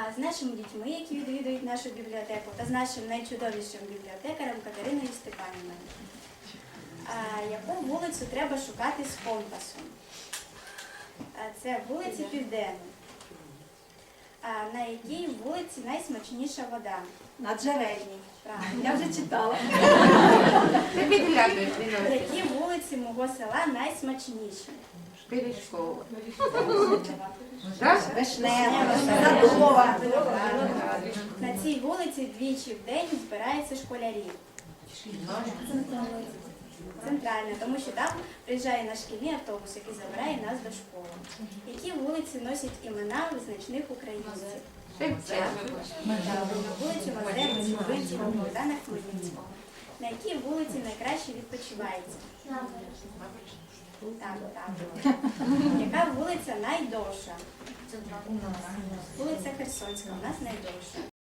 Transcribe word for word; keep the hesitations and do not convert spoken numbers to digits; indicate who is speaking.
Speaker 1: з нашими дітьми, які відвідують нашу бібліотеку, та з нашим найчудовішим бібліотекарем Катериною Степанівною. А яку вулицю треба шукати з компасом? А це вулиця Південна. А на якій вулиці найсмачніша вода?
Speaker 2: На Джерельній.
Speaker 1: Правильно.
Speaker 2: Я вже читала.
Speaker 3: Ти підглядуєш,
Speaker 1: Які вулиці мого села найсмачніші?
Speaker 3: Пиріжкова.
Speaker 2: Вишнева, Садова.
Speaker 1: На цій вулиці двічі в день збираються школярі. Центральна, тому що там приїжджає наш шкільний автобус, який забирає нас до школи. Які вулиці носять імена визначних українців?
Speaker 3: Шевченко.
Speaker 1: На вулицю Мазепи, Зубинського, Богдана Хмельницького. На якій вулиці найкраще відпочивається? Так, так. Яка вулиця найдовша? Вулиця Херсонська, у нас найдовша.